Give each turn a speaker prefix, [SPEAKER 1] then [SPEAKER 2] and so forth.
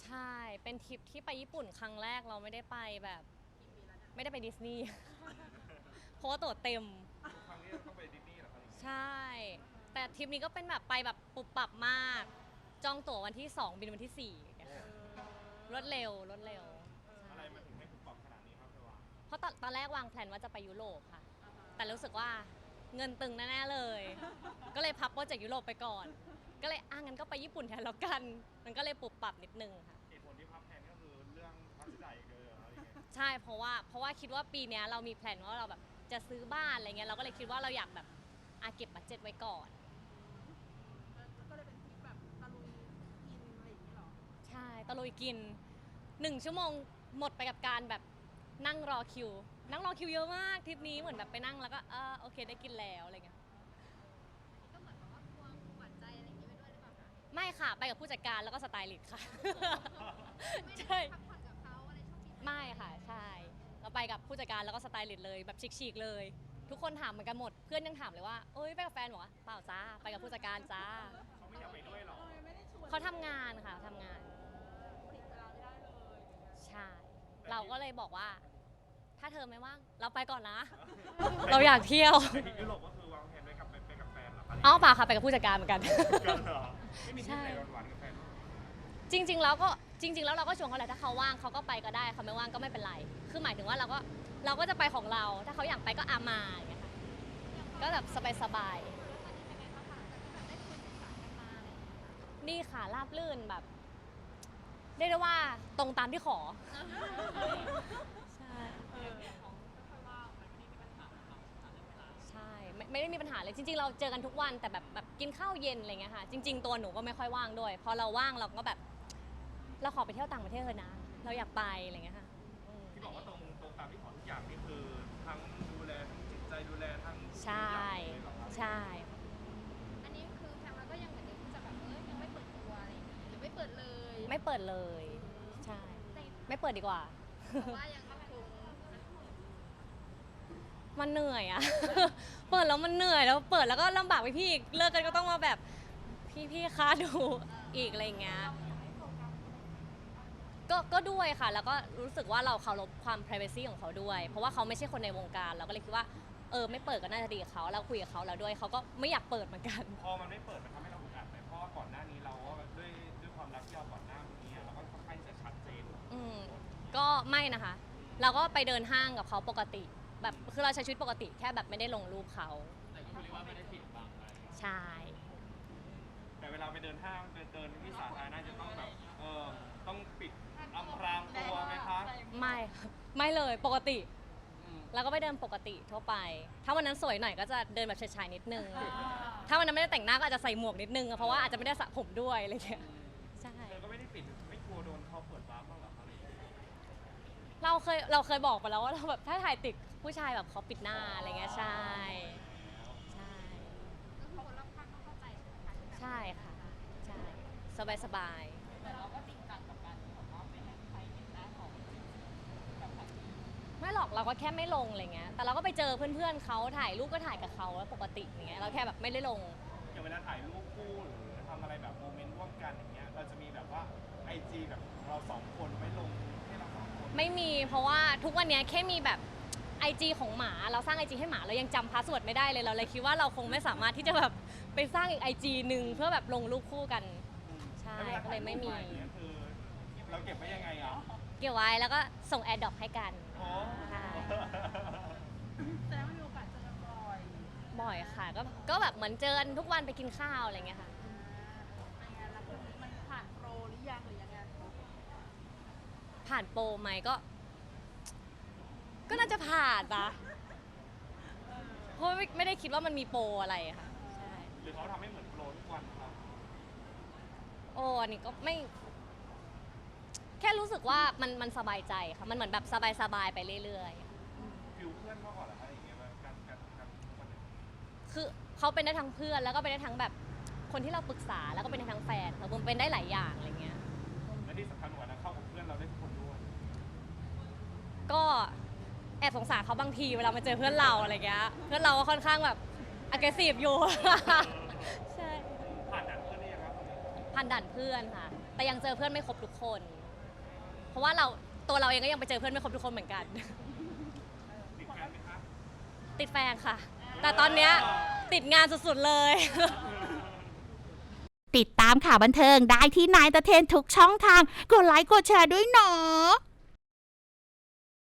[SPEAKER 1] ใช่เป็นทริปที่ไปญี่ปุ่นครั้งแรกเราไม่ได้ไปแบบไม่ได้ไปดิสนีย์เพราะว่าตั๋วเต็ม
[SPEAKER 2] ทุกครั้งที่ต้องไปดิสนีย์เหรอครับ
[SPEAKER 1] ใช่แต่ทริปนี้ก็เป็นแบบไปแบบปุบปับมากจองตั๋ววันที่2บินวันที่4อย่างเงี้ยค่ะรวดเร็วรวดเร็ว
[SPEAKER 2] อะไรมันถึงให้คุณปรับขนาดนี้ครับเธอวา
[SPEAKER 1] เพราะตอนแรกวางแผนว่าจะไปยุโรปค่ะแต่รู้สึกว่าเงินตึงแน่ๆเลยก็เลยพับโปรเจกต์ยุโรปไปก่อนก็เลยงั้นก็ไปญี่ปุ่นแทนแล้วกันมันก็เลยปุบปับนิดนึงค่ะ
[SPEAKER 2] เหตุผลที่พับแผนก็คือเรื่องค่าใช้จ่ายอีกเลยเหรออะไรเงี้ย
[SPEAKER 1] ใช่เพราะว่าคิดว่าปีนี้เรามีแผนว่าเราแบบจะซื้อบ้านอะไรเงี้ยเราก็เลยคิดว่าเราอยากแบบเก็บบัดเจ็ตไว้ก่อน
[SPEAKER 3] ก็เลยเป็นทริปแบบตะลุยกินอะไรอย่างเงี้ยหรอ
[SPEAKER 1] ใช่ตะลุยกิน1 ชั่วโมงหมดไปกับการแบบนั่งรอคิวเยอะมากทริปนี้เหมือนแบบไปนั่งแล้วก็โอเคได้กินแล้วอะไรเงี้ย
[SPEAKER 3] ก็เหมือนแบบว่าควงหวานใจอะไรอย่างเงี้ยไปด้วยหรือเปล่าคะ
[SPEAKER 1] ไม่ค่ะไปกับผู้จัดการแล้วก็สไตลิสต์ค่ะ
[SPEAKER 3] ไม่ได้
[SPEAKER 1] ใช่
[SPEAKER 3] พักผ่อนกับเขาอะไรช่วงนี้
[SPEAKER 1] ไม่ค่ะใช่เราไปกับผู้จัดการแล้วก็สไตลิสต์เลยแบบชิคๆเลยทุกคนถามเหมือนกันหมดเพื่อนยังถามเลยว่าเอ้ยไปกับแฟนบอกว่าเปล่าจ้าไปกับผู้จัดการจ้า
[SPEAKER 2] เขาไม่อยากไปด้วยหรอ
[SPEAKER 3] ไม่ได้ชวน
[SPEAKER 1] เขาทำงานค่ะทำงาน
[SPEAKER 3] ติดเวลาไม่ได้เลย
[SPEAKER 1] ใช่ เราก็เลยบอกว่า ถ้าเธอไม่ว่างเราไปก่อนนะ เราอยากเที่ยว
[SPEAKER 2] ไปที่ยุโรปก็คือวางแผนไว้กับไปกับแฟนเหรอครับ
[SPEAKER 1] เปล่าค่ะไปกับผู้จัดการเหมือนกัน
[SPEAKER 2] กันเหรอไม่มีที่ไหนหวานๆกับแฟนบ้างเหรอ
[SPEAKER 1] จริงๆแล้วเราก็ชวนเขาแหละถ้าเขาว่างเขาก็ไปก็ได้เขาไม่ว่างก็ไม่เป็นไร คือหมายถึงว่าเราก็จะไปของเรา ถ้าเขาอยากไปก็มาอย่างเงี้ยค่ะก็แบบสบายๆนี่ค่ะราบลื่นแบบเรียกได้ว่าตรงตามที่ขอใช่ ใช่ไม่ได้มีปัญหาเลยจริงๆเราเจอกันทุกวันแต่แบบกินข้าวเย็นอะไรเงี้ยค่ะจริงๆตัวหนูก็ไม่ค่อยว่างด้วยพอเราว่างเราก็แบบเราขอไปเที่ยวต่างประเทศเลยนะเราอยากไปอะไรเงี้ยค่ะ
[SPEAKER 2] ที่บอกว่าตรงตามที่ขอทุกอย่างนี่คือทั้งดูแลทั้งจิตใจดูแลทั้ง
[SPEAKER 1] ใช่
[SPEAKER 2] เลยเหรอครับ
[SPEAKER 1] ใช่
[SPEAKER 3] อันนี้คือแพมแล้วก็ยังเหมือนเดิมที่จะแบบยังไม่เปิดตัวอะไรอย่างเงี้ยหรือไม่เปิดเลย
[SPEAKER 1] ไม่เปิดเลยใช่ไม่เปิดดีกว่า
[SPEAKER 3] เพราะว่ายังคง
[SPEAKER 1] มันเหนื่อยอะ เปิดแล้วมันเหนื่อยแล้วเปิดแล้วก็ลำบากไปพี่อีกเลิกกันก็ต้องมาแบบพี่คะดูอีกอะไรเงี้ยก็ด้วยค่ะแล้วก็รู้สึกว่าเราเคารพความ privacy ของเขาด้วยเพราะว่าเขาไม่ใช่คนในวงการเราก็เลยคิดว่าไม่เปิดก็น่าจะดีกับเขาเราคุยกับเขาแล้วด้วยเขาก็ไม่อยากเปิดเหมือนกัน
[SPEAKER 2] พอมันไม่เปิดมันทำให้เราอึดอัดไหมเพราะว่าก่อนหน้านี้เราก็ด้วยความรักที่เราก่อนหน้านี้เราก็ค่อนข้างจะชัดเจน
[SPEAKER 1] อืมก็ไม่นะคะเราก็ไปเดินห้างกับเขาปกติแบบคือเราใช้ชีวิตปกติแค่แบบไม่ได้ลงรูปเขา
[SPEAKER 2] แต่ก็คือเรียกว่าไม่ได้ปิดบังอะไร
[SPEAKER 1] ใช่
[SPEAKER 2] แต่เวลาไปเดินห้างไปเดินที่สาธารณะจะต้องแบบต้องปิดอำพรางตัวไหมคะ
[SPEAKER 1] ไม่ไม่เลยปกติแล้วก็ไปเดินปกติทั่วไปถ้าวันนั้นสวยหน่อยก็จะเดินแบบชายๆนิดนึงถ้าวันนั้นไม่ได้แต่งหน้าก็อาจจะใส่หมวกนิดนึงเพราะว่าอาจจะไม่ได้สระผมด้วยอะไรอย่างเงี้ยใช่
[SPEAKER 2] เธอก็ไม่ได้ปิดไม่กลัวโดนเขาเปิดวาร์ปบ้างเหรออะไรอย่างเงี้ย
[SPEAKER 1] เราเคยบอกไปแล้วว่าเราแบบถ้าถ่ายติดผู้ชายแบบเขาปิดหน้าอะไรเงี้ยใช่ใช่
[SPEAKER 3] ก็คือคนรอบข้างต้องเข้าใจใช่ไหมคะที่แบบ
[SPEAKER 1] ใช่ค่ะใช่สบาย
[SPEAKER 3] แต่เราก็จริงจังกับการที่แบบว่าไม่ให้ใครเห็นหน้าของแบบแบบนี้
[SPEAKER 1] ไม่หรอกเราก็แค่ไม่ลงอะไรเงี้ยแต่เราก็ไปเจอเพื่อนๆเขาถ่ายรูปก็ถ่ายกับเขาแล้วปกติอย่างเงี้ยเราแค่แบบไม่ได้ลง
[SPEAKER 2] อย่างเวลาถ่ายรูปคู่หรือทำอะไรแบบโมเมนต์ร่วมกันอย่างเงี้ยเราจะมีแบบว่าไอจีแบบเราสองคนไม่ลงให้เราสองคน
[SPEAKER 1] ไม่มีเพราะว่าทุกวันนี้แค่มีแบบไอจีของหมาเราสร้างไอจีให้หมาเรายังจำพาสเวิร์ดไม่ได้เลยเราเลยคิดว่าเราคงไม่สามารถที่จะแบบไปสร้างอีกไอจีหนึ่งเพื่อแบบลงรูปคู่กันใช่ก็เลยไม่มี
[SPEAKER 2] คือเราเก็บไว้ยังไงอ่ะ
[SPEAKER 1] เกี่ยวไว้แล้วก็ส่งแอร์ดรอปให้กัน
[SPEAKER 2] โอ้
[SPEAKER 1] ใช่
[SPEAKER 3] แสดงว่ามีโอกาสเจอกันบ่อย
[SPEAKER 1] บ่อยค่ะก็แบบเหมือนเจอกันทุกวันไปกินข้าวอะไรเงี้ยค่ะ
[SPEAKER 3] เป็นไงแล้วมันผ่านโปรหรือยังหรือยังไง
[SPEAKER 1] ผ่านโปรไหมก็น่าจะผ่านนะเพราะไม่ได้คิดว่ามันมีโปรอะไรค่ะใช่
[SPEAKER 2] หรือเขาทำให้เหมือนโปรทุกวันครับ
[SPEAKER 1] อันนี้ก็ไม่แค่รู้สึกว่ามันสบายใจค่ะมันเหมือนแบบสบายๆไปเรื่อย
[SPEAKER 2] ฟิลเพื่อนมากกว่าเหรออะไรอย่างเงี้ยการทุกวันนี้
[SPEAKER 1] ๆคือเขาเป็นได้ทั้งเพื่อนแล้วก็เป็นได้ทั้งแบบคนที่เราปรึกษาแล้วก็เป็นได้ทั้งแฟนค่ะผมเป็นได้หลายอย่างอะไรเงี้ย
[SPEAKER 2] และที่สำคัญกว่านะเข้ากับเพื่อนเราได้ทุกคนด้วย
[SPEAKER 1] ก็แอบสงสารเขาบางทีเวลามาเจอเพื่อนเราอะไรเงี้ยเพื่อนเราก็ค่อนข้างแบบ aggressive อยู่ ใช่
[SPEAKER 2] ผ่านด่านเพื่อนได้ยังครับ
[SPEAKER 1] ผ่านด่านเพื่อนค่ะแต่ยังเจอเพื่อนไม่ครบทุกคน เพราะว่าตัวเราเองก็ยังไปเจอเพื่อนไม่ครบทุกคนเหมือนกัน
[SPEAKER 2] ติดแฟนไหมคะ
[SPEAKER 1] ติดแฟนค่ะ แต่ตอนเนี้ยติดงานสุดๆเลย
[SPEAKER 4] ติดตามข่าวบันเทิงได้ที่นายตะเทนทุกช่องทาง กดไลค์กดแชร์ด้วยเนาะ